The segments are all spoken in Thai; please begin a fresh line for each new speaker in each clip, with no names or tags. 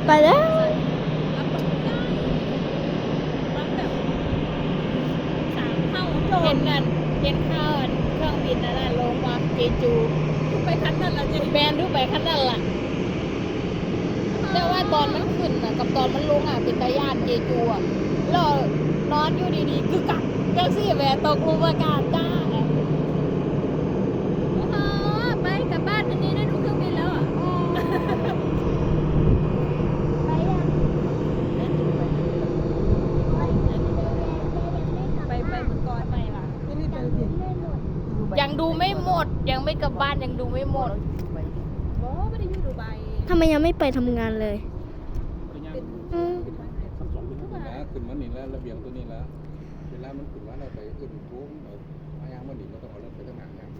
ไปแล้วเห็นนั่นเห็นข้าวเครื่องบินนั่นลงมาเจจูทุกไปคันนั่นละแบนทุกไปคันนั่นละแต่ว่าตอนมันขึ้นน่ะกับตอนมันลงอ่ะเป็นตาญาติเจจูอ่ะแล้วนอนอยู่ดีๆคือกักจังซี่แหวตกลงอากาศจ้า
ไปกลับบ้านอันนี้ได้ดูเครื่องบินแล้วอ่ะไปเมื่อก่อนไปล่ะ
ยังดูไม่หมดยังไม่กลับบ้านยังดูไม่หมด
โอ้ไม่ได้อยู่ดูไบ
ทำไมยังไม่ไปทำงานเลย
ขึ้นมาหนีแล้วระเบียงตัวนี้แล้วเวลามันขึ้นว่าเราไปขึ้นทุ่งมายางมันหนีเราต้องเอารถไปตั้งนานเนี่ย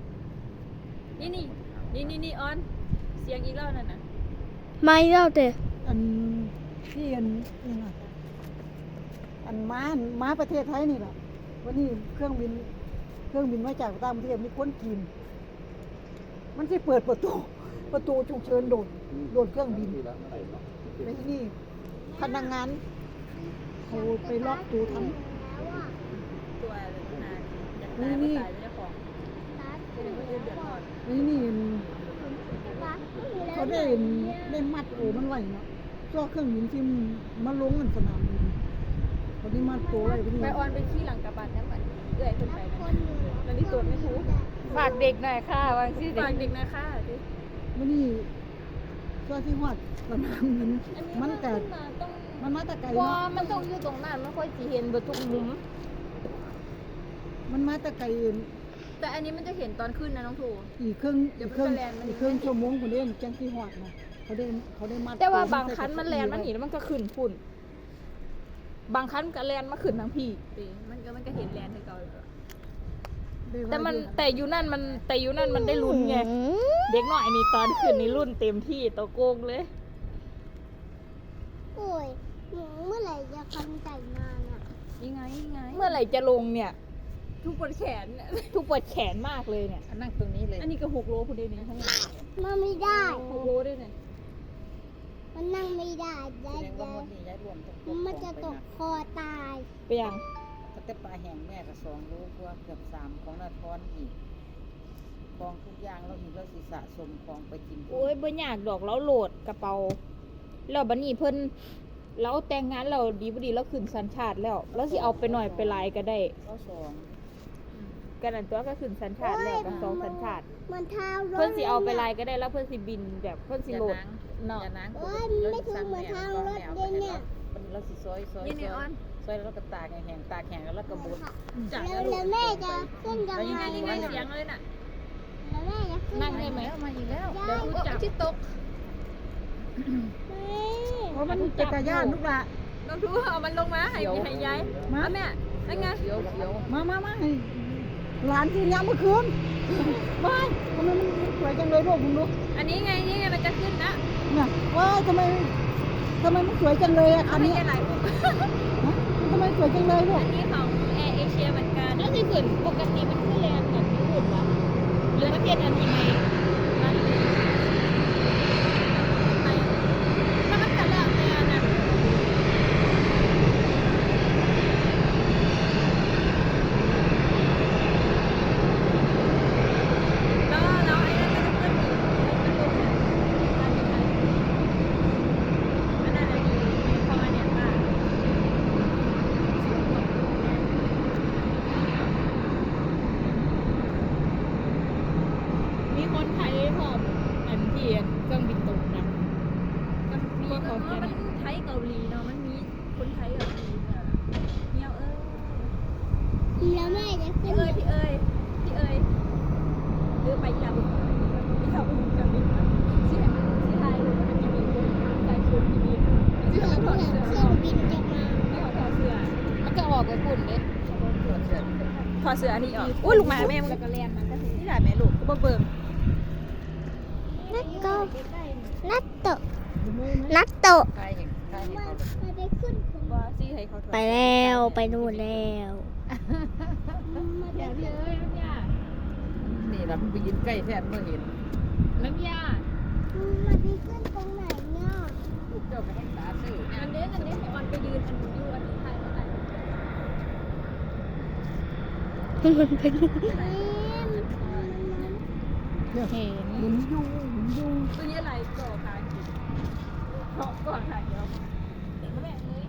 นี่ออนเสียงอีกแล้วนั่นน่ะ
ไม่เล่าแต่
อันที่อันนี่ไงอันม้าประเทศไทยนี่แหละวันนี้เครื่องบินมาจากต่างประเทศมีคนกินมันที่เปิดประตูฉุกเฉินโดดเครื่องบินในที่นี่พนักงานเขาไปล็อกตัวทั้ง
ตัวนานนี่
เขาได้มัดโอมันไว้เนาะตัวเครื่องบินที่มาลงกันสนามบินเขาได้มัดตัวไว้
ไปออนไปที่หลังกระบะนั่นมันเอื้อยคนไปนั่นนี่ตัวไม่ถูก
ฝากเด็กหน่อยค่ะวางที่
ฝากเด็กหน่อยค่ะ
วันนี้ตัวที่หอดสนามบินมันแต่มันมาแต่ไกลเนาะ
มันต้องอยู่ตรงนั้นไม่ค่อยจะเห็นบนทุกมุม
มันมาแต่ไกล
แต่อันนี้มันจะเห็นตอนขึ้นนะน้องถู
อีกครึ่งชั่วโมงคนเดียวจังที่หอดนะเขาได้มัด
แต่ว่าบางคันมันแลนมันหนีแล้วมันก็ขึ้นพุ่นบางคันก็แลนมาขึ้นทั้งพี่
มันก็เห็นแลนให้เก่า
แต่อยู่นั่นมันได้ลุ้นไงเด็กหน่อยนี่ตอนขึ้นนี่รุ่นเต็มที่ตัวโกงเลย
โอ้ยเมื่อไหร่จะคันไก่มาเนี่ย
ยังไง
เมื่อไหร่จะลงเนี่ย
ทุกปวดแขน
ทุกปวดแขนมากเลยเนี่ย
นั่งตรงนี้เลยอันนี้ก็6 โลคนเดียวนี่ทั้งหมด
มันไม่ได้
6 โลด้วยเนี่ย
มันนั่งไม่ได้มันจะตกคอตาย
ไปยัง
แต่ปลาแห้งแม่ก็2 โลกว่าเกือบ3ของนาทอนอีกของทุกอย่างเราอีกเราสิสะสมของไปกิน
โอ้ยบ่ยากดอกแล้วโหลดกระเป๋าแล้วบัดนี้เพิ่นเราแต่งงานเราดีบ่ดีแล้วขึ้นสัญชาติแล้วสิเอาไปหน่อยไปหลายก็ได้กันนั่นตัวก็ขึ้นสัญชาติแล้วกับ2สัญชาติ
เ
พิ่นสิเอาไปหลายก็ได้แล้วเพิ่นสิบินแบบเพิ่นสิโหลด
เนาะ
ไม่ถึงเหมือนทางรถเนี่ย
เราสิซอยแล้วก็ตากแห้งแล้วก็บด
แล้วแม่จะขึ้นยังไง
ยังไงเสียงเลยน่ะ
แล้วแม่จะขึ้น
นั่งได้ไหม
มาอีกแล้ว
เดี๋ยวจับที่ตก
เพราะมันจักรยานลูกละ
น้องทูเอามันลงมาให้ยายมาแม่นั่นไง
มาให้หลานที่ย้ำเมื่อคืนไม่ทำไมมันสวยจังเลยลูกคุณลูก
อันนี้ไงมันจะขึ้นนะ
เนี่ยว้ายทำไมมันสวยจังเลยอ่ะคันนี้
หลายปุ๊บ
ทำไมสวยจังเลยลูก
อันนี้ของแอร์เอเชียเหมือนกัน
แล้วที่ขึ้นปกติมันขึ้นแรงแบบนี้หุ่นวะหรือประเทศอันนี้ไหม
แล้วมันจะเลือกเลยนะแล้วไอ้นั่นก็จะขึ้นอีกอันนั้นดีของอันเนี้ยป่ะ
มีคนไทยพร้อมอันที่เครื่องบินตกนะ
มีมันไทยเกาหลีเนาะมันมีคนไทยเกาหลีเนี่ย
แล้วแม่จะขึ้น
พี่เอ้ยหรือไปยาวกับบินที่ไหนที่ไทยหรือว่าที่มีคนใส่ชุดที่มีที่เขาถอดเสื้อ
เครื่องบินจะมา
ที่เขาถอดเสื้อ
มันจะออกไปปุ่นเลย
ถอดเสื้ออันนี้ออกอุ้ยลูกหมาแม่มันก็เรียนมันก็ที่ไหนแม่ลูกก็เบิ่ง
นัตโตไปแล้วไปนู่นแล้ว
นี่เราไปยินใกล้แทบไม่เห็น
น้ำยา
มันไปขึ้นตรงไหนเนี่ย
เจ้าไปให้ตา
มันเป็น
เนี่ย
เห็น
หมุนอยู่หมุนอยู่
ตัวนี้อะไรก่อทางกินก่อทางเดียวแม่เอ้ย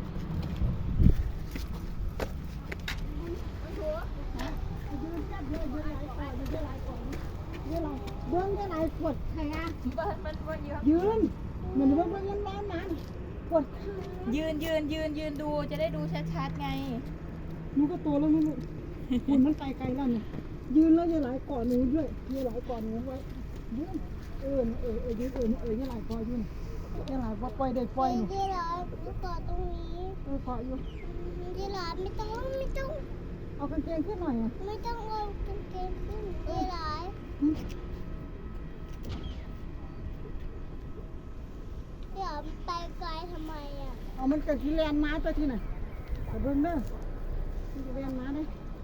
เบิ้งได้หลายขวดใครอ่ะ
มันเยอะ
ยืนเหมือนเบิ้งมันร้อนมันขวด
ยืนดูจะได้ดูชัดๆไง
หนูก็โตแล้วนะลูกหุ่นมันไกลๆแล้วเนี่ยยืนแล้วอย่าหลายก่อนหนูด้วยอย่าหลายก่อนหนูไว้ยืนยืนอย่าหลายก่อนยืนอย่าหลายว่าปล่อยได้ปล่อยหนู
ที่ร้านต่อตรงนี้
เกาะอยู่
ที่ร้านไม่ต้อง
เอากางเกงขึ้นหน่อยอ่ะ
ไม่ต้องเอากางเกงขึ้นที่ร้านเดี๋ยวไปไกลทำไมอ่ะ
เอามันเกิดที่แลนด์มาตัวที่ไหนแต่เบิ้งเด้อที่แลนด์มาเด้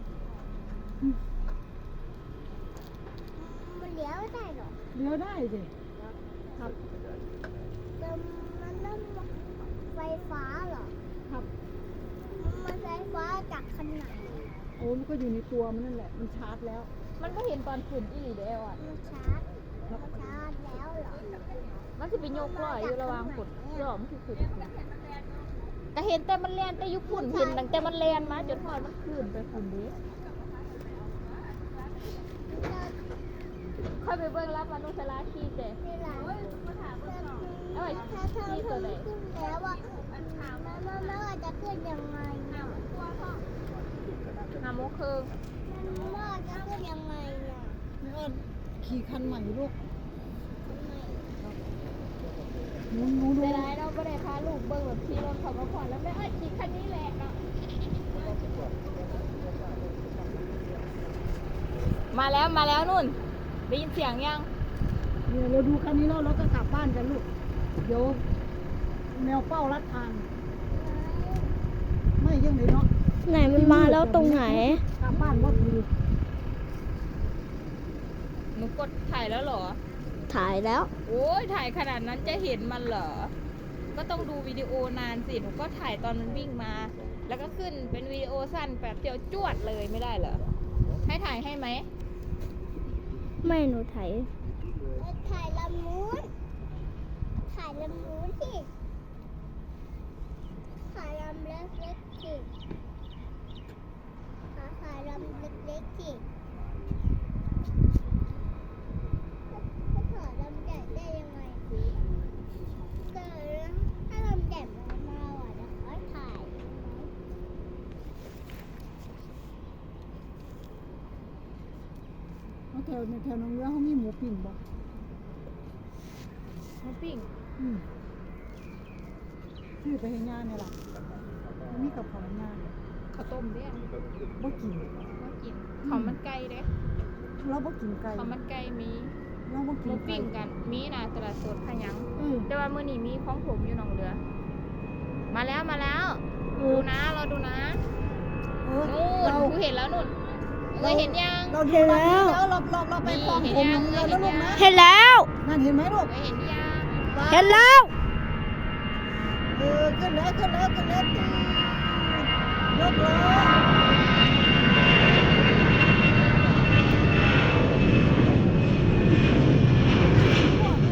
มันเลี้ยวได้หรอ
เลี้ยวได้สิครับ
แต่มันต้องไฟฟ้าเหรอ
ครับ
มันไฟฟ้าจากขนาด
โอ้มันก็อยู่ในตัวมันนั่นแหละมันชาร์จแล้ว
มันก็เห็นตอนขึ้นอีหลีเด้ออ่ะ
มันชาร์จแล้วเหรอ
มันสิไปยกลอยอยู่ระหว่างฝนยอมคือขึ้นก็เห็นแต่มันแล่นแต่อยุคฝุ่นเห็นตั้งแต่มันแล่นมาจนทอดมันขึ้นไปฝุ่นนี้ค่อยไปเบิ่งรับมนุษย์ลาขี้แต่
ที่ร้าน
เอ้ย
ถ้าเธอขึ้นแล้วอ่ะมันว่าจะขึ้นยังไงเนี่ย
5 โมงครึ่ง
มันว่าจะขึ้นยังไงเนี่ย
นี่ก็ขี่คันใหม่ลูก
ทำไม
หนูดู
ได้ไรเราไม่ได้พาลูกเบิ่งแบบขี่รถเขามาผ่อนแล้วไม่ขี่คันนี้แหละเนาะมาแล้วนุ่นได้ยินเสียงยัง
เนี่ยเราดูคันนี้แล้วเราก็กลับบ้านกันลูกเดี๋ยวแมวเป้ารัดทางไม่ยังไงเนาะ
ไหนมันมาแล้วตรงไหน
กลับบ้านว่าคือ
หนูกดถ่ายแล้วเหรอ
ถ่ายแล้ว
โอ้ยถ่ายขนาดนั้นจะเห็นมันเหรอ ก็ต้องดูวิดีโอนานสิ หนูก็ถ่ายตอนมันวิ่งมา แล้วก็ขึ้นเป็นวิดีโอสั้นแบบเดียวจวดเลยไม่ได้เหรอ ให้ถ่ายให้ไหม
ไม่หนูถ่ายลำนู้นถ่ายลำนู้นสิถ่ายลำเล็กๆสิถ่ายลำเล็กๆสิถ้าถ่ายลำใหญ่ได้ยังไงแต่ถ้าลำใหญ่มาอ่ะเดี๋ยวเขาถ่าย
เอาแถวในแถวน้องเรือเขามีหมูปิ้งบ่
หมูปิ้ง
ซื้อไปให้ย่าเนี่ยล่ะมีกับของย่า
ข้าวต้มเนี่ย
บ่กิน
ว่ากินข้าวมันไก่เด้
เราบ่กินไก่
ข้าวมันไก่มี
เราบ่
ห
กิ
มู
นไก่
ปิ้งกัน มีนะตลาดสดพะยัง
เ
แต่ว่ามื้อนี้มีของผมอยู่หนองเรือ มาแล้ว
เอ
ดู
อ
นะเราดูนะ
เออ
นู่น
เรา
คือเห็นแล้วนู่นเห็นยัง
เราดูบ้านนี้แล้วเราไปคลองผมน้องเรือแล้วลูกนะ
เห็นแล้ว
นั่นเห็นไหมลูก
เห็นยัง
เห็นแล้ว
ขึ้นแล้วยกเลย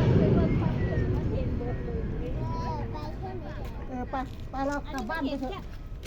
ไปเรากลับบ้านไปเถอะ